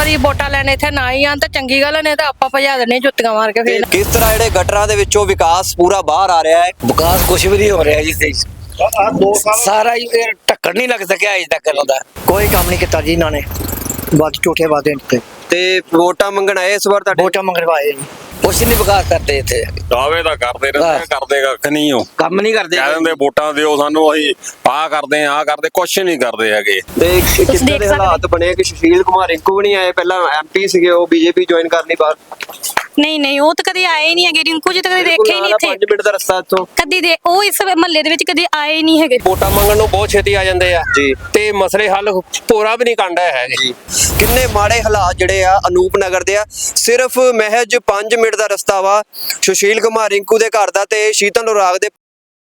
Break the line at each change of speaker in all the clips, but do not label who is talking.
ਵਾਰੀ ਵੋਟਾਂ ਲੈਣ ਇੱਥੇ ਨਾ ਹੀ ਆਣ ਤਾਂ ਚੰਗੀ ਗੱਲ ਨੇ, ਤਾਂ ਆਪਾਂ ਭਜਾ ਦੇਣੇ ਜੁੱਤੀਆਂ ਮਾਰ ਕੇ। ਫੇਰ
ਕਿਸ ਤਰ੍ਹਾਂ ਜਿਹੜੇ ਗਟਰਾਂ ਦੇ ਵਿੱਚੋਂ ਵਿਕਾਸ ਪੂਰਾ ਬਾਹਰ ਆ ਰਿਹਾ ਹੈ?
ਵਿਕਾਸ ਕੁਛ ਵੀ ਨਹੀਂ ਹੋ ਰਿਹਾ ਜੀ। ਸਾਰਾ ਹੀ ਢੱਕਣ ਨਹੀਂ ਲੱਗ ਸਕਿਆ ਅਜੇ ਤੱਕ ਇਹਨਾਂ ਦਾ।
ਕੋਈ ਕੰਮ ਨਹੀਂ ਕੀਤਾ ਜੀ ਇਹਨਾਂ ਨੇ, ਬਸ ਝੂਠੇ ਵਾਅਦੇ ਦਿੱਤੇ
ਤੇ ਵੋਟਾਂ ਮੰਗਣ ਆਏ ਇਸ ਵਾਰ ਤੁਹਾਡੇ?
ਵੋਟਾਂ ਮੰਗਵਾਏ ਜੀ।
ਕੁਛ ਨਹੀਂ ਵਿਕਾਸ ਕਰਦੇ ਇੱਥੇ।
ਦਾਅਵੇ ਤਾਂ ਕਰਦੇ ਰਹਿੰਦੇ, ਕਰਦੇ ਕੱਖ ਨਹੀਂ ਹੋ,
ਕੰਮ ਨਹੀਂ ਕਰਦੇ।
ਕਹਿ ਦਿੰਦੇ ਵੋਟਾਂ ਦਿਓ ਸਾਨੂੰ, ਅਸੀਂ ਆਹ ਕਰਦੇ ਆਹ ਕਰਦੇ, ਕੁਛ ਨਹੀਂ ਕਰਦੇ ਹੈਗੇ।
ਤੇ ਕਿੱਦਾਂ ਦੇ ਹਾਲਾਤ ਬਣੇ ਕਿ ਸੁਸ਼ੀਲ ਕੁਮਾਰ ਰਿੰਕੂ ਵੀ ਨਹੀਂ ਆਏ? ਪਹਿਲਾਂ ਐਮਪੀ ਸੀਗੇ, ਉਹ ਬੀਜੇਪੀ ਜੁਆਇਨ ਕਰਨੀ ਬਾਹਰ।
ਨਹੀਂ ਉਹ ਤਾਂ ਕਦੇ ਆਏ ਨਹੀਂ ਹੈਗੇ। ਰਿੰਕੂ ਜੀ ਤਾਂ ਕਦੇ ਦੇਖੇ ਹੀ ਨਹੀਂ ਇੱਥੇ।
5 ਮਿੰਟ ਦਾ ਰਸਤਾ ਇੱਥੋਂ
ਕਦੀ ਦੇ ਉਹ ਇਸ ਮਹੱਲੇ ਦੇ ਵਿੱਚ ਕਦੇ ਆਏ ਨਹੀਂ ਹੈਗੇ।
ਵੋਟਾਂ ਮੰਗਣ ਨੂੰ ਬਹੁਤ ਛੇਤੀ ਆ ਜਾਂਦੇ ਆ
ਜੀ,
ਤੇ ਮਸਲੇ ਹੱਲ ਪੂਰਾ ਵੀ ਨਹੀਂ ਕੰਡਾ ਹੈਗੇ
ਜੀ। ਕਿੰਨੇ ਮਾੜੇ ਹਾਲਾਤ ਜਿਹੜੇ ਆ ਅਨੂਪ ਨਗਰ ਦੇ ਆ। ਸਿਰਫ ਮਹਿਜ 5 ਮਿੰਟ ਦਾ ਰਸਤਾ ਵਾ ਸੁਸ਼ੀਲ ਕੁਮਾਰ ਰਿੰਕੂ ਦੇ ਘਰ ਦਾ ਤੇ ਸ਼ੀਤਲ ਨੁਰਾਗ ਦੇ।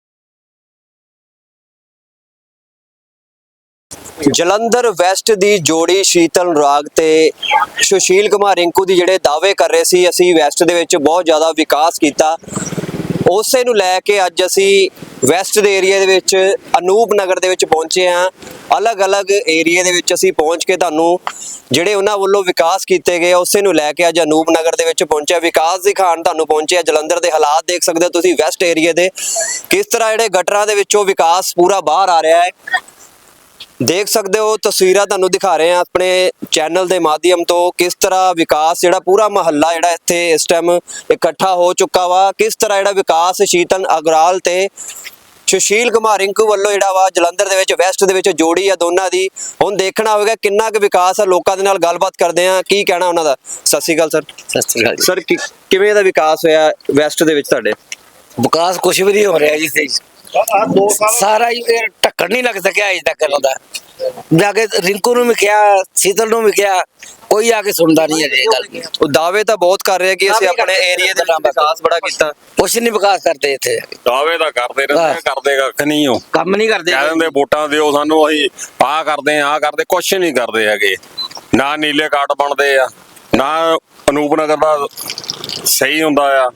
ਜਲੰਧਰ ਵੈਸਟ ਦੀ ਜੋੜੀ ਸ਼ੀਤਲ ਨੁਰਾਗ ਤੇ ਸੁਸ਼ੀਲ ਕੁਮਾਰ ਰਿੰਕੂ ਦੀ ਜਿਹੜੇ ਦਾਅਵੇ ਕਰ ਰਹੇ ਸੀ ਅਸੀਂ ਵੈਸਟ ਦੇ ਵਿੱਚ ਬਹੁਤ ਜ਼ਿਆਦਾ ਵਿਕਾਸ ਕੀਤਾ, ਉਸੇ ਨੂੰ ਲੈ ਕੇ ਅੱਜ ਅਸੀਂ ਵੈਸਟ ਦੇ ਏਰੀਆ ਦੇ ਵਿੱਚ ਅਨੂਪ ਨਗਰ ਦੇ ਵਿੱਚ ਪਹੁੰਚੇ ਹਾਂ। ਅਲੱਗ-ਅਲੱਗ ਏਰੀਆ ਦੇ ਵਿੱਚ ਅਸੀਂ ਪਹੁੰਚ ਕੇ ਤੁਹਾਨੂੰ ਜਿਹੜੇ ਉਹਨਾਂ ਵੱਲੋਂ ਵਿਕਾਸ ਕੀਤੇ ਗਏ ਉਸੇ ਨੂੰ ਲੈ ਕੇ ਅੱਜ ਅਨੂਪ ਨਗਰ ਦੇ ਵਿੱਚ ਪਹੁੰਚਿਆ, ਵਿਕਾਸ ਦਿਖਾਉਣ ਤੁਹਾਨੂੰ ਪਹੁੰਚਿਆ। ਜਲੰਧਰ ਦੇ ਹਾਲਾਤ ਦੇਖ ਸਕਦੇ ਹੋ ਤੁਸੀਂ ਵੈਸਟ ਏਰੀਆ ਦੇ, ਕਿਸ ਤਰ੍ਹਾਂ ਜਿਹੜੇ ਗਟਰਾਂ ਦੇ ਵਿੱਚੋਂ ਵਿਕਾਸ ਪੂਰਾ ਬਾਹਰ ਆ ਰਿਹਾ ਹੈ। ਦੇਖ ਸਕਦੇ ਹੋ ਤਸਵੀਰਾਂ ਤੁਹਾਨੂੰ ਦਿਖਾ ਰਹੇ ਹਾਂ ਆਪਣੇ ਚੈਨਲ ਦੇ ਮਾਧਿਅਮ ਤੋਂ, ਕਿਸ ਤਰ੍ਹਾਂ ਵਿਕਾਸ ਜਿਹੜਾ ਪੂਰਾ ਮਹੱਲਾ ਜਿਹੜਾ ਇੱਥੇ ਇਸ ਟਾਈਮ ਇਕੱਠਾ ਹੋ ਚੁੱਕਾ ਵਾ। ਕਿਸ ਤਰ੍ਹਾਂ ਜਿਹੜਾ ਵਿਕਾਸ ਸ਼ੀਤਲ ਅਗਰਾਲ ਤੇ ਸੁਸ਼ੀਲ ਕੁਮਾਰ ਰਿੰਕੂ ਵੱਲੋਂ ਜਿਹੜਾ ਵਾ ਜਲੰਧਰ ਦੇ ਵਿੱਚ ਵੈਸਟ ਦੇ ਵਿੱਚ ਜੋੜੀ ਆ ਦੋਨਾਂ ਦੀ। ਹੁਣ ਦੇਖਣਾ ਹੋਵੇਗਾ ਕਿੰਨਾ ਕੁ ਵਿਕਾਸ ਆ। ਲੋਕਾਂ ਦੇ ਨਾਲ ਗੱਲਬਾਤ ਕਰਦੇ ਆ, ਕੀ ਕਹਿਣਾ ਉਹਨਾਂ ਦਾ। ਸਤਿ ਸ਼੍ਰੀ ਅਕਾਲ ਸਰ।
ਸਤਿ ਸ੍ਰੀ ਅਕਾਲ
ਸਰ ਕਿਵੇਂ ਦਾ ਵਿਕਾਸ ਹੋਇਆ ਵੈਸਟ ਦੇ ਵਿੱਚ ਤੁਹਾਡੇ?
ਵਿਕਾਸ ਕੁਛ ਵੀ ਨਹੀਂ ਹੋ ਰਿਹਾ ਜੀ। ਸਾਰਾ ਹੀ ਢੱਕਣ ਨਹੀਂ ਲੱਗ ਸਕਿਆ ਅਜੇ ਤੱਕ ਇਹਨਾਂ ਦਾ। ਜਾ ਕੇ ਰਿੰਕੂ ਨੂੰ ਵੀ ਕਿਹਾ, ਸ਼ੀਤਲ ਨੂੰ ਵੀ ਕਿਹਾ, ਕੋਈ ਆ ਕੇ ਸੁਣਦਾ ਨਹੀਂ ਹੈ ਇਹ ਗੱਲ।
ਉਹ ਦਾਅਵੇ ਤਾਂ ਬਹੁਤ ਕਰ ਰਹੇ ਕਿ ਅਸੀਂ ਆਪਣੇ ਏਰੀਆ ਦੇ ਵਿੱਚ ਵਿਕਾਸ ਬੜਾ ਕੀਤਾ,
ਕੁਛ ਨਹੀਂ ਵਿਕਾਸ ਕਰਦੇ ਇੱਥੇ।
ਦਾਅਵੇ ਤਾਂ ਕਰਦੇ ਰਹਿੰਦੇ, ਕਰਦੇ ਕੱਖ ਨਹੀਂ ਹੋ,
ਕੰਮ ਨਹੀਂ ਕਰਦੇ।
ਕਹਿ ਦਿੰਦੇ ਵੋਟਾਂ ਦਿਓ ਸਾਨੂੰ, ਅਸੀਂ ਆਹ ਕਰਦੇ ਆਹ ਕਰਦੇ, ਕੁਛ ਨਹੀਂ ਕਰਦੇ ਹੈਗੇ। ਨਾ ਨੀਲੇ ਕਾਰਡ ਬਣਦੇ ਆ, ਨਾ ਅਨੂਪ ਨਗਰ ਦਾ ਸਹੀ ਹੁੰਦਾ ਆ।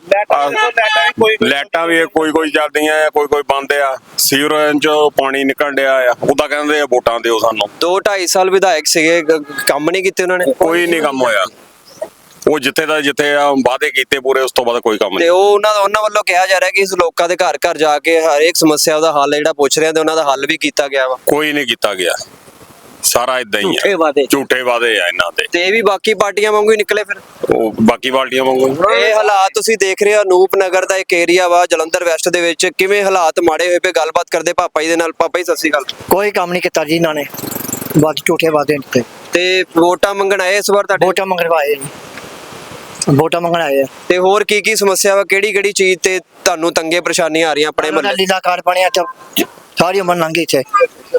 ਲਾਈਟਾਂ ਵੀ ਕੋਈ ਚੱਲਦੀਆਂ ਆ, ਕੋਈ ਬੰਦ ਆ। ਸੀਵਰੇਜ ਚੋਂ ਪਾਣੀ ਨਿਕਲ ਡਿਆ ਆ, ਉਹਦਾ ਕਹਿੰਦੇ ਆ ਵੋਟਾਂ ਦਿਓ ਸਾਨੂੰ।
2-2.5 ਸਾਲ ਵਿਧਾਇਕ ਸੀਗੇ, ਕੰਮ ਨਹੀਂ ਕੀਤੇ ਉਹਨਾਂ ਨੇ?
ਕੋਈ ਨਹੀਂ ਕੰਮ ਹੋਇਆ। ਉਹ ਜਿੱਥੇ ਆ ਵਾਅਦੇ ਕੀਤੇ ਪੂਰੇ, ਉਸ ਤੋਂ ਬਾਅਦ ਕੋਈ ਕੰਮ
ਤੇ
ਨਹੀਂ।
ਉਹ ਉਹਨਾਂ ਵੱਲੋਂ ਕਿਹਾ ਜਾ ਰਿਹਾ ਕਿ ਇਸ ਲੋਕਾਂ ਦੇ ਘਰ ਘਰ ਜਾ ਕੇ ਹਰ ਇੱਕ ਸਮੱਸਿਆ ਦਾ ਹੱਲ ਜਿਹੜਾ ਪੁੱਛ ਰਹੇ ਆ ਤੇ ਉਹਨਾਂ ਦਾ ਹੱਲ ਵੀ ਕੀਤਾ ਗਿਆ ਵਾ।
ਕੋਈ ਨਹੀਂ ਕੀਤਾ ਗਿਆ, ਸਾਰਾ ਇਦਾਂ ਹੀ
ਝੂਠੇ
ਆ,
ਵਾਅਦੇ।
ਝੂਠੇ ਵਾਅਦੇ ਆ ਇਹਨਾਂ ਦੇ।
ਤੇ ਇਹ ਵੀ ਬਾਕੀ ਪਾਰਟੀਆਂ ਵਾਂਗੂ ਹੀ ਨਿਕਲੇ ਫਿਰ।
ਉਹ ਬਾਕੀ ਪਾਰਟੀਆਂ ਵਾਂਗੂ।
ਇਹ ਹਾਲਾਤ ਤੁਸੀਂ ਦੇਖ ਰਹੇ ਹੋ ਅਨੂਪ ਨਗਰ ਦਾ ਇੱਕ ਏਰੀਆ ਵਾ ਜਲੰਧਰ ਵੈਸਟ ਦੇ ਵਿੱਚ, ਕਿਵੇਂ ਹਾਲਾਤ ਮਾੜੇ ਹੋਏ ਪਏ। ਗੱਲਬਾਤ ਕਰਦੇ ਪਾਪਾ ਜੀ ਦੇ ਨਾਲ। ਪਾਪਾ ਜੀ ਸਤਿ ਸ਼੍ਰੀ ਅਕਾਲ।
ਕੋਈ ਕੰਮ ਨਹੀਂ ਕੀਤਾ ਜੀ ਇਹਨਾਂ ਨੇ, ਬਸ ਝੂਠੇ ਵਾਅਦੇ ਦਿੱਤੇ।
ਤੇ ਵੋਟਾਂ ਮੰਗਣ ਆਏ ਇਸ ਵਾਰ ਤੁਹਾਡੇ?
ਵੋਟਾਂ ਮੰਗਵਾਏ ਜੀ, ਵੋਟਾਂ ਮੰਗਣ ਆਏ ਆ।
ਤੇ ਹੋਰ ਕੀ ਸਮੱਸਿਆ ਵਾ, ਕਿਹੜੀ ਚੀਜ਼ ਤੇ ਤੁਹਾਨੂੰ ਤੰਗੇ ਪਰੇਸ਼ਾਨੀਆਂ ਆ ਰਹੀਆਂ ਆਪਣੇ ਮਹੱਲੇ?
ਲੀਲਾ ਕਾਰਡ ਬਣਿਆ ਤਾਂ ਸਾਰੀ ਉਮਰ ਲੰਘ ਗਈ ਇੱਥੇ।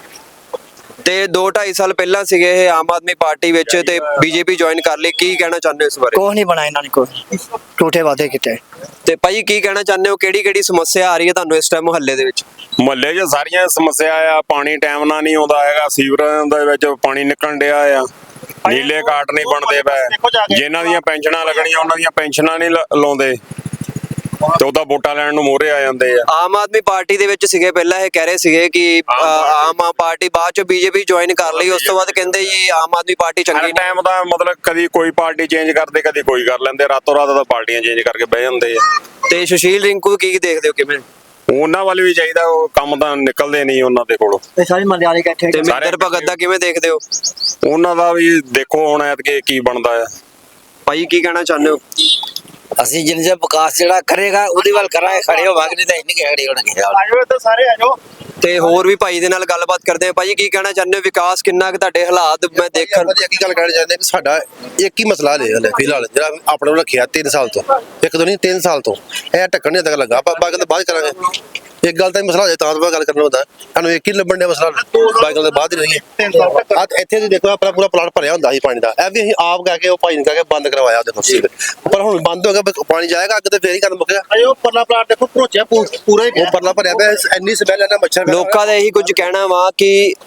ਤੇ 2-2.5 ਸਾਲ ਪਹਿਲਾਂ ਸੀਗੇ ਇਹ ਆਮ ਆਦਮੀ ਪਾਰਟੀ ਵਿੱਚ ਤੇ ਬੀਜੇਪੀ ਜੁਆਇਨ ਕਰ ਲਈ, ਕੀ ਕਹਿਣਾ ਚਾਹੁੰਦੇ ਹੋ ਇਸ ਬਾਰੇ?
ਕੁਛ ਨਹੀਂ ਬਣਾਇਆ ਇਹਨਾਂ ਨੇ, ਕੋਈ ਝੂਠੇ ਵਾਅਦੇ ਕੀਤੇ।
ਤੇ ਭਾਈ ਕੀ ਕਹਿਣਾ ਚਾਹੁੰਦੇ ਹੋ, ਕਿਹੜੀ ਸਮੱਸਿਆ ਆ ਰਹੀ ਹੈ ਤੁਹਾਨੂੰ ਇਸ ਟਾਈਮ ਮੁਹੱਲੇ ਦੇ ਵਿੱਚ?
ਮੁਹੱਲੇ 'ਚ ਸਾਰੀਆਂ ਸਮੱਸਿਆ ਆ। ਪਾਣੀ ਟਾਈਮ ਨਾਲ ਨਹੀਂ ਆਉਂਦਾ ਹੈਗਾ, ਸੀਵਰੇਜ ਦੇ ਵਿੱਚ ਪਾਣੀ ਨਿਕਲਣ ਡਿਆ ਆ, ਨੀਲੇ ਕਾਰਡ ਨਹੀਂ ਬਣਦੇ ਪਏ, ਜਿਨ੍ਹਾਂ ਦੀਆਂ ਪੈਨਸ਼ਨਾਂ ਲੱਗਣੀਆਂ ਉਹਨਾਂ ਦੀਆਂ ਪੈਨਸ਼ਨਾਂ ਨਹੀਂ ਲਾਉਂਦੇ, ਤੇ ਉਹਦਾ ਵੋਟਾਂ ਲੈਣ ਨੂੰ ਮੋਹਰੇ ਆ ਜਾਂਦੇ ਆ।
ਆਮ ਆਦਮੀ ਪਾਰਟੀ ਦੇ ਵਿੱਚ ਸੀਗੇ ਪਹਿਲਾਂ, ਇਹ ਕਹਿ ਰਹੇ ਸੀਗੇ ਕਿ ਆਮ ਪਾਰਟੀ ਬਾਅਦ ਚ ਬੀਜੇਪੀ ਜੁਆਇਨ ਕਰ ਲਈ, ਉਸ ਤੋਂ ਬਾਅਦ ਕਹਿੰਦੇ ਜੀ ਆਮ ਆਦਮੀ ਪਾਰਟੀ ਚੰਗੀ ਨਹੀਂ।
ਟਾਈਮ ਦਾ ਮਤਲਬ ਕਦੀ ਕੋਈ ਪਾਰਟੀ ਚੇਂਜ ਕਰਦੇ, ਕਦੀ ਕੋਈ ਕਰ ਲੈਂਦੇ, ਰਾਤੋਂ ਰਾਤ ਤਾਂ ਪਾਰਟੀਆਂ ਚੇਂਜ ਕਰਕੇ ਬਹਿ ਜਾਂਦੇ ਆ।
ਤੇ ਸੁਸ਼ੀਲ ਰਿੰਕੂ ਕੀ ਦੇਖਦੇ ਹੋ, ਕਿਵੇਂ?
ਉਹਨਾਂ ਵੱਲ ਵੀ ਚਾਹੀਦਾ, ਉਹ ਕੰਮ ਤਾਂ ਨਿਕਲਦੇ ਨਹੀਂ ਉਹਨਾਂ ਦੇ ਕੋਲੋਂ।
ਇਹ ਸਾਰੇ ਮਹੱਲੇ ਵਾਲੇ ਇਕੱਠੇ।
ਤੇ ਮਿੰਦਰ ਭਗਤ ਦਾ ਕਿਵੇਂ ਦੇਖਦੇ ਹੋ?
ਉਹਨਾਂ ਦਾ ਵੀ ਦੇਖੋ ਹੁਣ ਐਤਕੀ ਕੀ ਬਣਦਾ ਆ।
ਭਾਈ ਕੀ ਕਹਿਣਾ ਚਾਹੁੰਦੇ ਹੋ?
ਅਸੀਂ ਜਿੰਨੇ ਚਿਰ ਵਿਕਾਸ ਜਿਹੜਾ ਕਰੇਗਾ ਉਹਦੇ ਵੱਲ ਕਰਾਂਗੇ, ਖੜੇ ਹੋਵਾਂਗੇ, ਨਹੀਂ ਤਾਂ ਇੰਨੀ ਖੜੇ ਹੋਣਗੇ।
ਤੇ ਹੋਰ ਵੀ ਭਾਈ ਦੇ ਨਾਲ ਗੱਲਬਾਤ ਕਰਦੇ ਆ। ਭਾਈ ਕੀ ਕਹਿਣਾ ਚਾਹੁੰਦੇ ਹੋ, ਵਿਕਾਸ ਕਿੰਨਾ ਕੁ ਤੁਹਾਡੇ ਹਾਲਾਤ ਮੈਂ ਦੇਖਣ?
ਇੱਕ ਗੱਲ ਕਹਿਣਾ ਚਾਹੁੰਦੇ ਕਿ ਸਾਡਾ ਇੱਕ ਹੀ ਮਸਲਾ ਹਲੇ ਫਿਲਹਾਲ ਜਿਹੜਾ ਆਪਣੇ ਕੋਲ ਰੱਖਿਆ 3 ਸਾਲ ਤੋਂ, ਇੱਕ ਤੋਂ ਨਹੀਂ 3 ਸਾਲ ਤੋਂ ਇਹ ਢੱਕਣ ਨਹੀਂ ਤੱਕ ਲੱਗਾ। ਬਾਕੀ ਤਾਂ ਬਾਅਦ ਕਰਾਂਗੇ। ਇੱਕ ਗੱਲ ਤਾਂ ਮਸਲਾ ਹੋ ਜਾਏ ਤਾਂ ਗੱਲ ਕਰਨਾ ਹੁੰਦਾ, ਸਾਨੂੰ ਇੱਕ ਹੀ ਲੱਭਣ ਦਾ ਮਸਲਾ, ਬਾਕੀ ਗੱਲ ਬਾਅਦ ਹੀ ਰਹੀਏ। ਇੱਥੇ ਤੁਸੀਂ ਦੇਖੋ ਆਪਣਾ ਪੂਰਾ ਪਲਾਟ ਭਰਿਆ ਹੁੰਦਾ ਸੀ ਪਾਣੀ ਦਾ, ਇਹ ਵੀ ਅਸੀਂ ਆਪ ਕਹਿ ਕੇ ਉਹ ਭਾਈ ਨੇ ਕਹਿ ਕੇ ਬੰਦ ਕਰਵਾਇਆ ਉਹਦੇ ਫਸੀ, ਪਰ ਹੁਣ ਬੰਦ ਹੋ ਗਿਆ, ਪਾਣੀ ਜਾਏਗਾ ਅੱਗੇ ਤੇ ਫੇਰ ਹੀ ਕੰਮ ਮੁੱਕਿਆ। ਉਹ ਪਰਲਾ ਪਲਾਟ ਦੇਖੋ ਭਰੋਚਿਆ ਪੂਰਾ ਹੀ, ਉਹ ਪਰਲਾ ਭਰਿਆ ਪਿਆ, ਇੰਨੀ ਸਮੈਲ ਹੈ ਨਾ, ਮੱਛਰ।
ਲੋਕਾਂ ਦਾ ਇਹੀ ਕੁਝ ਕਹਿਣਾ ਵਾ ਕਿ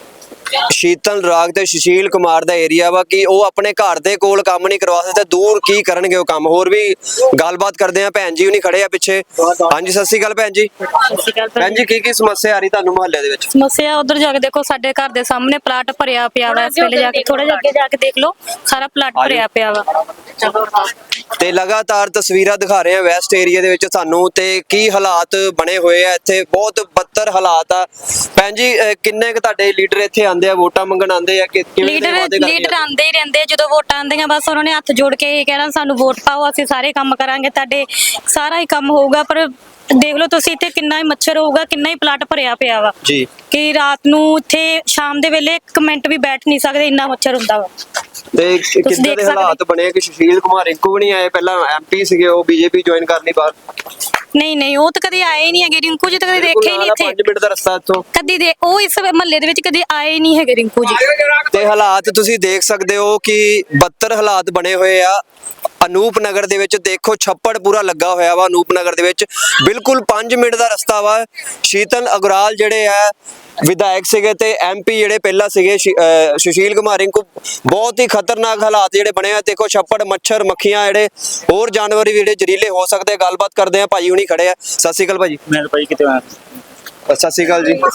ਸ਼ੀਤਲ ਰਾਗ ਤੇ ਸੁਸ਼ੀਲ ਕੁਮਾਰ ਦਾ ਏਰੀਆ ਵਾ ਕਿ ਉਹ ਆਪਣੇ ਘਰ ਦੇ ਕੋਲ ਕੰਮ ਨਹੀਂ ਕਰਵਾ ਸਕਦੇ, ਦੂਰ ਕੀ ਕਰਨਗੇ ਉਹ ਕੰਮ। ਹੋਰ ਵੀ ਗੱਲਬਾਤ ਕਰਦੇ ਆ, ਭੈਣ ਜੀ ਹੁਣੀ ਖੜੇ ਆ ਪਿੱਛੇ। ਹਾਂਜੀ, ਸਤਿ ਸ਼੍ਰੀ ਅਕਾਲ ਭੈਣ ਜੀ। ਭੈਣ ਜੀ, ਕੀ ਸਮੱਸਿਆ ਆ ਰਹੀ ਤੁਹਾਨੂੰ ਮੁਹੱਲੇ ਦੇ ਵਿੱਚ?
ਸਮੱਸਿਆ ਉਧਰ ਜਾ ਕੇ ਦੇਖੋ, ਸਾਡੇ ਘਰ ਦੇ ਸਾਹਮਣੇ ਪਲਾਟ ਭਰਿਆ ਪਿਆ ਵਾ। ਇਸ ਵੇਲੇ ਜਾ ਕੇ ਥੋੜਾ ਜਿਹਾ ਅੱਗੇ ਜਾ ਕੇ ਦੇਖ ਲਓ, ਸਾਰਾ ਪਲਾਟ ਭਰਿਆ ਪਿਆ ਵਾ।
ਤੇ ਲਗਾਤਾਰ ਤਸਵੀਰਾਂ ਦਿਖਾ ਰਹੇ ਆ ਵੈਸਟ ਏਰੀਆ ਦੇ ਵਿੱਚ ਸਾਨੂੰ, ਤੇ ਕੀ ਹਾਲਾਤ ਬਣੇ ਹੋਏ ਆ ਇੱਥੇ, ਬਹੁਤ ਬੱਤਰ ਹਾਲਾਤ ਆ। ਭੈਣ ਜੀ, ਕਿੰਨੇ ਕੁ ਤੁਹਾਡੇ ਲੀਡਰ ਇੱਥੇ ਆਉਂਦੇ ਆ, ਵੋਟਾਂ ਮੰਗਣ ਆਉਂਦੇ ਆ ਕਿ ਕਿਵੇਂ ਦੇ ਵਾਅਦੇ ਕਰਦੇ
ਲੀਡਰ
ਆ?
ਆਂਦੇ ਹੀ ਰਹਿੰਦੇ ਆ। ਜਦੋਂ ਵੋਟਾਂ ਆਉਂਦੀਆਂ ਬਸ ਉਹਨਾਂ ਨੇ ਹੱਥ ਜੋੜ ਕੇ ਇਹ ਕਹਿਣਾ ਸਾਨੂੰ ਵੋਟ ਪਾਓ, ਅਸੀਂ ਸਾਰੇ ਕੰਮ ਕਰਾਂਗੇ, ਤੁਹਾਡੇ ਸਾਰਾ ਹੀ ਕੰਮ ਹੋਊਗਾ। ਪਰ ਦੇਖ ਲਓ ਤੁਸੀਂ ਇੱਥੇ ਕਿੰਨਾ ਹੀ ਮੱਛਰ ਹੋਊਗਾ, ਕਿੰਨਾ ਹੀ ਪਲਾਟ ਭਰਿਆ ਪਿਆ ਵਾ
ਜੀ,
ਕਿ ਰਾਤ ਨੂੰ ਇੱਥੇ ਸ਼ਾਮ ਦੇ ਵੇਲੇ 1 ਮਿੰਟ ਵੀ ਬੈਠ ਨਹੀਂ ਸਕਦੇ, ਇੰਨਾ ਮੱਛਰ ਹੁੰਦਾ ਵਾ।
ਤੇ ਕਿੱਦਾਂ
ਦੇਖ
ਦੇ
ਸਕਦੇ।
ਹਾਲਾਤ ਬਣੇ ਕਿ ਸੁਸ਼ੀਲ ਕੁਮਾਰ ਰਿੰਕੂ ਵੀ ਨਹੀਂ ਆਏ, ਪਹਿਲਾਂ ਐਮਪੀ ਸੀਗੇ, ਉਹ ਬੀਜੇਪੀ ਜੁਆਇਨ ਕਰ ਲਈ ਬਾਹਰ।
ਨਹੀਂ ਉਹ ਤਾਂ ਕਦੇ ਆਏ ਹੀ ਨਹੀਂ ਹੈਗੇ। ਰਿੰਕੂ ਜੀ ਤਾਂ ਕਦੇ ਦੇਖੇ ਹੀ ਨਹੀਂ ਇੱਥੇ,
5 ਮਿੰਟ ਦਾ ਰਸਤਾ ਇੱਥੋਂ।
ਕਦੀ ਦੇ ਉਹ ਇਸ ਮਹੱਲੇ ਦੇ ਵਿੱਚ ਕਦੇ ਆਏ ਹੀ ਨਹੀਂ ਹੈਗੇ ਰਿੰਕੂ ਜੀ।
ਤੇ ਹਾਲਾਤ ਤੁਸੀਂ ਦੇਖ ਸਕਦੇ ਹੋ ਕਿ ਬੱਤਰ ਹਾਲਾਤ ਬਣੇ ਹੋਏ ਆ। ਅਨੂਪ ਨਗਰ ਦੇ ਵਿੱਚ ਦੇਖੋ, ਛੱਪੜ ਪੂਰਾ ਲੱਗਾ ਹੋਇਆ ਵਾ ਅਨੂਪ ਨਗਰ ਦੇ ਵਿੱਚ, ਬਿਲਕੁਲ 5 ਮਿੰਟ ਦਾ ਰਸਤਾ ਵਾ। ਸ਼ੀਤਲ ਅਗਰਾਲ ਜਿਹੜੇ ਆ ਵਿਧਾਇਕ ਸੀਗੇ ਤੇ ਐਮਪੀ ਜਿਹੜੇ ਪਹਿਲਾਂ ਸੀਗੇ ਸੁਸ਼ੀਲ ਕੁਮਾਰ ਰਿੰਕੂ, ਬਹੁਤ ਹੀ ਖਤਰਨਾਕ ਹਾਲਾਤ ਜਿਹੜੇ ਬਣੇ ਆ। ਦੇਖੋ, ਛੱਪੜ, ਮੱਛਰ, ਮੱਖੀਆਂ, ਜਿਹੜੇ ਹੋਰ ਜਾਨਵਰ ਵੀ ਜਿਹੜੇ ਜ਼ਹਿਰੀਲੇ ਹੋ ਸਕਦੇ ਆ। ਗੱਲਬਾਤ ਕਰਦੇ ਆ, ਭਾਜੀ ਹੁਣੀ ਖੜੇ ਆ। ਸਤਿ ਸ਼੍ਰੀ ਅਕਾਲ ਭਾਜੀ।
ਮੈਂ ਭਾਈ ਕਿਤੇ ਆਇਆ।
ਸਤਿ ਸ਼੍ਰੀ ਅਕਾਲ ਜੀ।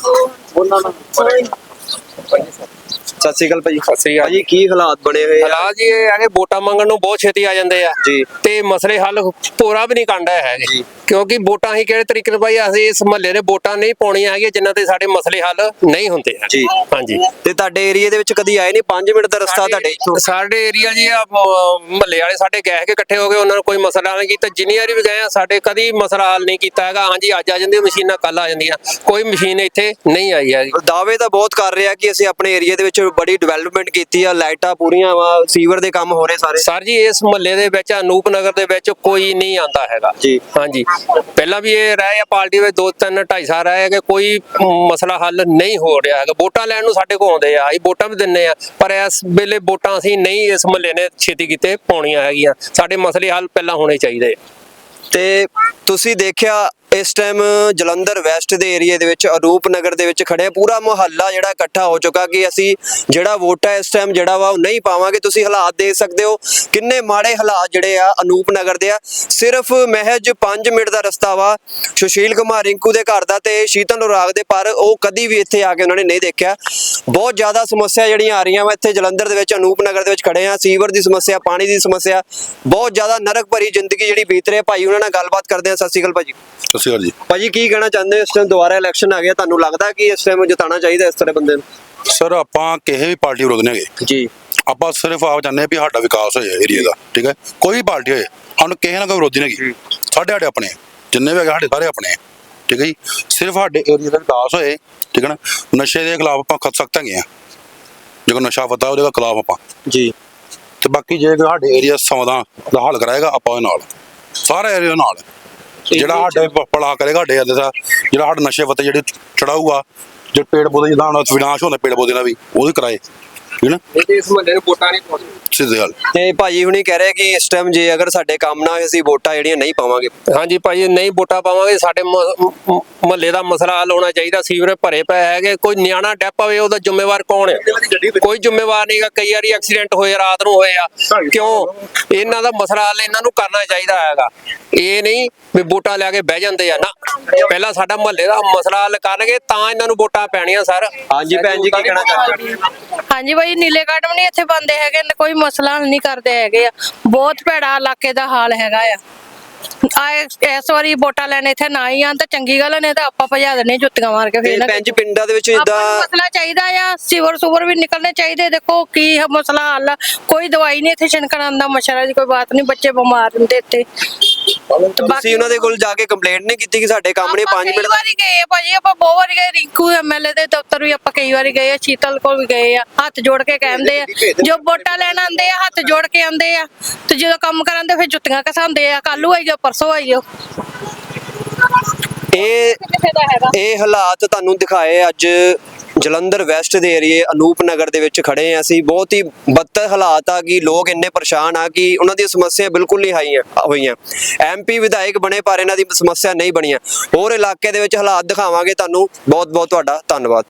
ਸਤਿ ਸ਼੍ਰੀ ਅਕਾਲ ਭਾਜੀ। ਭਾਜੀ, ਕੀ ਹਾਲਾਤ ਬਣੇ ਹੋਏ ਆ?
ਹਾਲਾਤ ਜੀ ਇਹ ਹੈਗੇ, ਵੋਟਾਂ ਮੰਗਣ ਨੂੰ ਬਹੁਤ ਛੇਤੀ ਆ ਜਾਂਦੇ ਆ
ਜੀ,
ਤੇ ਮਸਲੇ ਹੱਲ ਪੂਰਾ ਵੀ ਨਹੀਂ ਕੰਡਾ ਹੈਗੇ
ਜੀ।
ਕਿਉਂਕਿ ਵੋਟਾਂ ਹੀ ਕਿਹੜੇ ਤਰੀਕੇ ਨਾਲ ਭਾਈ ਅਸੀਂ ਇਸ ਮਹੱਲੇ ਦੇ ਵੋਟਾਂ ਨਹੀਂ ਪਾਉਣੀਆਂ ਹੈਗੀਆਂ ਜਿਨ੍ਹਾਂ ਤੇ ਸਾਡੇ ਮਸਲੇ ਹੱਲ ਨਹੀਂ ਹੁੰਦੇ ਆ।
ਜੀ,
ਹਾਂਜੀ।
ਤੇ ਤੁਹਾਡੇ ਏਰੀਆ ਦੇ ਵਿੱਚ ਕਦੀ ਆਏ ਨਹੀਂ? 5 ਮਿੰਟ ਦਾ ਰਸਤਾ ਤੁਹਾਡੇ ਇੱਥੋਂ।
ਸਾਡੇ ਏਰੀਆ ਜੀ ਆ ਮਹੱਲੇ ਵਾਲੇ ਸਾਡੇ ਗਏ ਕੇ ਇਕੱਠੇ ਹੋ ਗਏ, ਉਹਨਾਂ ਨੂੰ ਕੋਈ ਮਸਲਾ ਨਹੀਂ ਕੀਤਾ। ਜਿੰਨੀ ਵਾਰੀ ਵੀ ਗਏ ਆ, ਸਾਡੇ ਕਦੀ ਮਸਲਾ ਹੱਲ ਨਹੀਂ ਕੀਤਾ ਹੈਗਾ। ਹਾਂਜੀ, ਅੱਜ ਆ ਜਾਂਦੀਆਂ ਮਸ਼ੀਨਾਂ, ਕੱਲ ਆ ਜਾਂਦੀਆਂ, ਕੋਈ ਮਸ਼ੀਨ ਇੱਥੇ ਨਹੀਂ ਆਈ ਹੈਗੀ।
ਦਾਅਵੇ ਤਾਂ ਬਹੁਤ ਕਰ ਰਿਹਾ ਕਿ ਅਸੀਂ ਆਪਣੇ ਏਰੀਆ ਦੇ ਵਿੱਚ ਬੜੀ ਡਿਵੈਲਪਮੈਂਟ ਕੀਤੀ ਆ, ਲਾਈਟਾਂ ਪੂਰੀਆਂ ਵਾ, ਸੀਵਰ ਦੇ ਕੰਮ ਹੋ ਰਹੇ ਸਾਰੇ।
ਸਰ ਜੀ, ਇਸ ਮਹੱਲੇ ਦੇ ਵਿੱਚ ਅਨੂਪ ਨਗਰ ਦੇ ਵਿੱਚ ਕੋਈ ਨਹੀਂ ਆਂਦਾ ਹੈਗਾ
ਜੀ।
ਹਾਂਜੀ, ਪਹਿਲਾਂ ਵੀ ਇਹ ਰਹੇ ਆ ਪਾਰਟੀ ਵਿੱਚ 2-3 2.5 ਸਾਲ ਰਹੇ ਕਿ ਕੋਈ ਮਸਲਾ ਹੱਲ ਨਹੀਂ ਹੋ ਰਿਹਾ ਹੈਗਾ। ਵੋਟਾਂ ਲੈਣ ਨੂੰ ਸਾਡੇ ਕੋਲ ਆਉਂਦੇ ਆ, ਅਸੀਂ ਵੋਟਾਂ ਵੀ ਦਿੰਨੇ ਆ, ਪਰ ਇਸ ਵੇਲੇ ਵੋਟਾਂ ਅਸੀਂ ਨਹੀਂ ਇਸ ਮਹੱਲੇ ਨੇ ਛੇਤੀ ਕੀਤੇ ਪਾਉਣੀਆਂ ਹੈਗੀਆਂ। ਸਾਡੇ ਮਸਲੇ ਹੱਲ ਪਹਿਲਾਂ ਹੋਣੇ ਚਾਹੀਦੇ।
ਤੇ ਤੁਸੀਂ ਦੇਖਿਆ ਇਸ ਟਾਈਮ ਜਲੰਧਰ ਵੈਸਟ ਦੇ ਏਰੀਆ ਦੇ ਵਿੱਚ ਅਨੂਪ ਨਗਰ ਦੇ ਵਿੱਚ ਖੜੇ, ਪੂਰਾ ਮੁਹੱਲਾ ਜਿਹੜਾ ਇਕੱਠਾ ਹੋ ਚੁੱਕਾ ਕਿ ਅਸੀਂ ਜਿਹੜਾ ਵੋਟ ਹੈ ਇਸ ਟਾਈਮ ਜਿਹੜਾ ਵਾ ਉਹ ਨਹੀਂ ਪਾਵਾਂਗੇ। ਤੁਸੀਂ ਹਾਲਾਤ ਦੇਖ ਸਕਦੇ ਹੋ ਕਿੰਨੇ ਮਾੜੇ ਹਾਲਾਤ ਜਿਹੜੇ ਆ ਅਨੂਪ ਨਗਰ ਦੇ ਆ। ਸਿਰਫ ਮਹਿਜ 5 ਮਿੰਟ ਦਾ ਰਸਤਾ ਵਾ ਸੁਸ਼ੀਲ ਕੁਮਾਰ ਰਿੰਕੂ ਦੇ ਘਰ ਦਾ ਤੇ ਸ਼ੀਤਲ ਰਾਗ ਦੇ, ਪਰ ਉਹ ਕਦੀ ਵੀ ਇੱਥੇ ਆ ਕੇ ਉਹਨਾਂ ਨੇ ਨਹੀਂ ਦੇਖਿਆ। ਬਹੁਤ ਜ਼ਿਆਦਾ ਸਮੱਸਿਆ ਜਿਹੜੀਆਂ ਆ ਰਹੀਆਂ ਵਾ ਇੱਥੇ ਜਲੰਧਰ ਦੇ ਵਿੱਚ ਅਨੂਪ ਨਗਰ ਦੇ ਵਿੱਚ ਖੜੇ ਆ। ਸੀਵਰ ਦੀ ਸਮੱਸਿਆ, ਪਾਣੀ ਦੀ ਸਮੱਸਿਆ, ਬਹੁਤ ਜ਼ਿਆਦਾ ਨਰਕ ਭਰੀ ਜ਼ਿੰਦਗੀ ਜਿਹੜੀ ਬੀਤ ਰਹੀ ਹੈ। ਭਾਈ ਉਹਨਾਂ ਨਾਲ ਗੱਲਬਾਤ ਕਰਦੇ ਆ। ਸਤਿ ਸ਼੍ਰੀ ਅਕਾਲ ਭਾਜੀ।
ਸਤਿ ਸ਼੍ਰੀ ਅਕਾਲ ਜੀ।
ਭਾਜੀ, ਕੀ ਕਹਿਣਾ ਚਾਹੁੰਦੇ ਹੋ? ਇਸ ਟਾਈਮ ਦੁਬਾਰਾ ਇਲੈਕਸ਼ਨ ਆ ਗਿਆ, ਤੁਹਾਨੂੰ ਲੱਗਦਾ ਕਿ ਇਸ ਟਾਈਮ ਜਿਤਾਉਣਾ ਚਾਹੀਦਾ ਇਸ ਤਰ੍ਹਾਂ ਬੰਦੇ ਨੂੰ?
ਸਰ, ਆਪਾਂ ਕਿਸੇ ਵੀ ਪਾਰਟੀ ਵਿਰੋਧ ਨਹੀਂ ਹੈਗੇ
ਜੀ।
ਆਪਾਂ ਸਿਰਫ ਆਪ ਚਾਹੁੰਦੇ ਵੀ ਸਾਡਾ ਵਿਕਾਸ ਹੋਏ ਏਰੀਆ ਦਾ, ਠੀਕ ਹੈ। ਕੋਈ ਵੀ ਪਾਰਟੀ ਹੋਏ, ਸਾਨੂੰ ਕਿਸੇ ਨਾਲ ਕੋਈ ਵਿਰੋਧੀ ਨਹੀਂ ਹੈਗੀ। ਸਾਡੇ ਆਪਣੇ ਜਿੰਨੇ ਵੀ ਹੈਗੇ, ਸਾਡੇ ਸਾਰੇ ਆਪਣੇ, ਠੀਕ ਹੈ ਜੀ। ਸਿਰਫ ਸਾਡੇ ਏਰੀਆ ਦਾ ਵਿਕਾਸ ਹੋਏ, ਠੀਕ ਹੈ ਨਾ। ਨਸ਼ੇ ਦੇ ਖਿਲਾਫ ਆਪਾਂ ਖੜ ਸਕਦੇ ਹਾਂ, ਜੇ ਕੋਈ ਨਸ਼ਾ ਪਤਾ ਉਹਦੇ ਖਿਲਾਫ ਆਪਾਂ
ਜੀ।
ਤੇ ਬਾਕੀ ਜੇ ਸਾਡੇ ਏਰੀਆ ਸਮਾਧਾਨ ਦਾ ਹੱਲ ਕਰਾਏਗਾ, ਆਪਾਂ ਉਹਦੇ ਨਾਲ, ਸਾਰੇ ਏਰੀਆ ਨਾਲ, ਜਿਹੜਾ ਸਾਡੇ ਭਲਾ ਕਰੇਗਾ ਸਾਡੇ ਏਰੀਆ ਦਾ, ਜਿਹੜਾ ਸਾਡੇ ਨਸ਼ੇ ਪੱਤੇ ਜਿਹੜੇ ਚੜਾਊਗਾ, ਜਿਹੜੇ ਪੇੜ ਪੌਦੇ ਜਿੱਦਾਂ ਹੁਣ ਵਿਨਾਸ਼ ਹੁੰਦਾ ਪੇੜ ਪੌਦੇ ਨਾਲ ਵੀ, ਉਹ ਵੀ ਕਰਾਏ, ਠੀਕ ਨਾ।
ਇਸ ਮਹੱਲੇ ਨੂੰ ਵੋਟਾਂ ਨਹੀਂ ਪਾਉਣੀਆਂ।
ਸਿੱਧੀ ਗੱਲ।
ਤੇ ਭਾਜੀ ਹੁਣੀ ਕਹਿ ਰਹੇ ਕਿ ਇਸ ਟਾਈਮ ਜੇ ਅਗਰ ਸਾਡੇ ਕੰਮ ਨਾ ਹੋਏ ਅਸੀਂ ਵੋਟਾਂ ਜਿਹੜੀਆਂ ਨਹੀਂ ਪਾਵਾਂਗੇ।
ਹਾਂਜੀ ਭਾਈ, ਨਹੀਂ ਵੋਟਾਂ ਪਾਵਾਂਗੇ, ਸਾਡੇ ਮਹੱਲੇ ਦਾ ਮਸਲਾ ਹੱਲ ਹੋਣਾ ਚਾਹੀਦਾ। ਸੀਵਰੇਜ ਭਰੇ ਪਏ ਹੈਗੇ, ਕੋਈ ਨਿਆਣਾ ਡੈਪ ਪਵੇ ਉਹਦਾ ਜ਼ਿੰਮੇਵਾਰ ਕੌਣ ਹੈ? ਕੋਈ ਜ਼ਿੰਮੇਵਾਰ ਨਹੀਂਗਾ। ਕਈ ਵਾਰੀ ਐਕਸੀਡੈਂਟ ਹੋਏ, ਰਾਤ ਨੂੰ ਹੋਏ ਆ, ਕਿਉਂ? ਇਹਨਾਂ ਦਾ ਮਸਲਾ ਹੱਲ ਇਹਨਾਂ ਨੂੰ ਕਰਨਾ ਚਾਹੀਦਾ ਹੈਗਾ। ਇਹ ਨਹੀਂ ਵੀ ਵੋਟਾਂ ਲੈ ਕੇ ਬਹਿ ਜਾਂਦੇ ਆ ਨਾ, ਪਹਿਲਾਂ ਸਾਡਾ ਮਹੱਲੇ ਦਾ ਮਸਲਾ ਹੱਲ ਕਰਨਗੇ ਤਾਂ ਇਹਨਾਂ ਨੂੰ ਵੋਟਾਂ ਪੈਣੀਆਂ। ਸਰ
ਹਾਂਜੀ ਭੈਣ ਜੀ, ਕੀ ਕਹਿਣਾ ਚਾਹੁੰਦੇ?
ਹਾਂਜੀ ਭਾਈ, ਨੀਲੇ ਕਾਰਡ ਵੀ ਨਹੀਂ ਇੱਥੇ ਬੰਦੇ ਹੈਗੇ, ਕੋਈ ਮਸਲਾ ਹੱਲ ਨਹੀਂ ਕਰਦੇ ਹੈਗੇ ਆ। ਬਹੁਤ ਭੈੜਾ ਇਲਾਕੇ ਦਾ ਹਾਲ ਹੈਗਾ ਆ। ਇਸ ਵਾਰੀ ਵੋਟਾਂ ਲੈਣ ਇੱਥੇ ਨਾ ਹੀ ਆਣ ਤਾਂ ਚੰਗੀ ਗੱਲ ਨੇ, ਤਾਂ ਆਪਾਂ ਭਜਾ ਦੇਣੇ ਜੁੱਤੀਆਂ ਮਾਰ ਕੇ। ਫੇਰ
ਭੈਣ ਜੀ, ਪਿੰਡਾਂ ਦੇ ਵਿੱਚ
ਆਪਾਂ
ਇਦਾਂ
ਨੂੰ ਮਸਲਾ ਚਾਹੀਦਾ ਆ, ਸੀਵਰ ਸੂਵਰ ਵੀ ਨਿਕਲਣੇ ਚਾਹੀਦੇ। ਦੇਖੋ ਕੀ ਮਸਲਾ ਹੱਲ ਆ, ਕੋਈ ਦਵਾਈ ਨਹੀਂ ਇੱਥੇ ਛਿਣਕਣ ਆਉਂਦਾ, ਮੱਛਰਾਂ ਦੀ ਕੋਈ ਬਾਤ ਨਹੀਂ, ਬੱਚੇ ਬਿਮਾਰ ਹੁੰਦੇ ਇੱਥੇ।
ਤੁਸੀਂ ਉਹਨਾਂ ਦੇ ਕੋਲ ਜਾ ਕੇ ਕੰਪਲੇਂਟ ਨਹੀਂ ਕੀਤੀ ਕਿ ਸਾਡੇ ਕੰਮ ਨੇ 5 ਮਿੰਟ?
ਕਈ ਵਾਰੀ ਗਏ ਭਾਜੀ, ਆਪਾਂ ਬਹੁਤ ਵਾਰੀ ਗਏ। ਰਿੰਕੂ ਐਮਐਲਏ ਦੇ ਦਫ਼ਤਰ ਵੀ ਆਪਾਂ ਕਈ ਵਾਰੀ ਗਏ ਆ, ਸ਼ੀਤਲ ਕੋਲ ਵੀ ਗਏ ਆ। ਹੱਥ ਜੋੜ ਕੇ ਕਹਿੰਦੇ ਆ, ਜੋ ਵੋਟਾਂ ਲੈਣ ਆਉਂਦੇ ਆ ਹੱਥ ਜੋੜ ਕੇ ਆਉਂਦੇ ਆ, ਤੇ ਜਦੋਂ ਕੰਮ ਕਰਾਂਦੇ ਫਿਰ ਜੁੱਤੀਆਂ ਘਸਾਉਂਦੇ ਆ। ਕੱਲੂ ਆਈ ਜਾਓ, ਪਰਸੋਂ ਆਈ ਜਾਓ।
ਇਹ ਹਾਲਾਤ ਤੁਹਾਨੂੰ ਦਿਖਾਏ ਅੱਜ ਜਲੰਧਰ ਵੈਸਟ ਦੇ ਏਰੀਏ ਅਨੂਪ ਨਗਰ ਦੇ ਵਿੱਚ ਖੜੇ ਆ ਅਸੀਂ। ਬਹੁਤ ਹੀ ਬੱਤਰ ਹਾਲਾਤ ਆ ਕਿ ਲੋਕ ਇੰਨੇ ਪਰੇਸ਼ਾਨ ਆ ਕਿ ਉਹਨਾਂ ਦੀਆਂ ਸਮੱਸਿਆ ਬਿਲਕੁਲ ਨਹੀਂ ਹੋਈਆਂ। ਐਮਪੀ ਵਿਧਾਇਕ ਬਣੇ ਪਰ ਇਹਨਾਂ ਦੀ ਸਮੱਸਿਆ ਨਹੀਂ ਬਣੀਆਂ। ਹੋਰ ਇਲਾਕੇ ਦੇ ਵਿੱਚ ਹਾਲਾਤ ਦਿਖਾਵਾਂਗੇ ਤੁਹਾਨੂੰ। ਬਹੁਤ ਬਹੁਤ ਤੁਹਾਡਾ ਧੰਨਵਾਦ।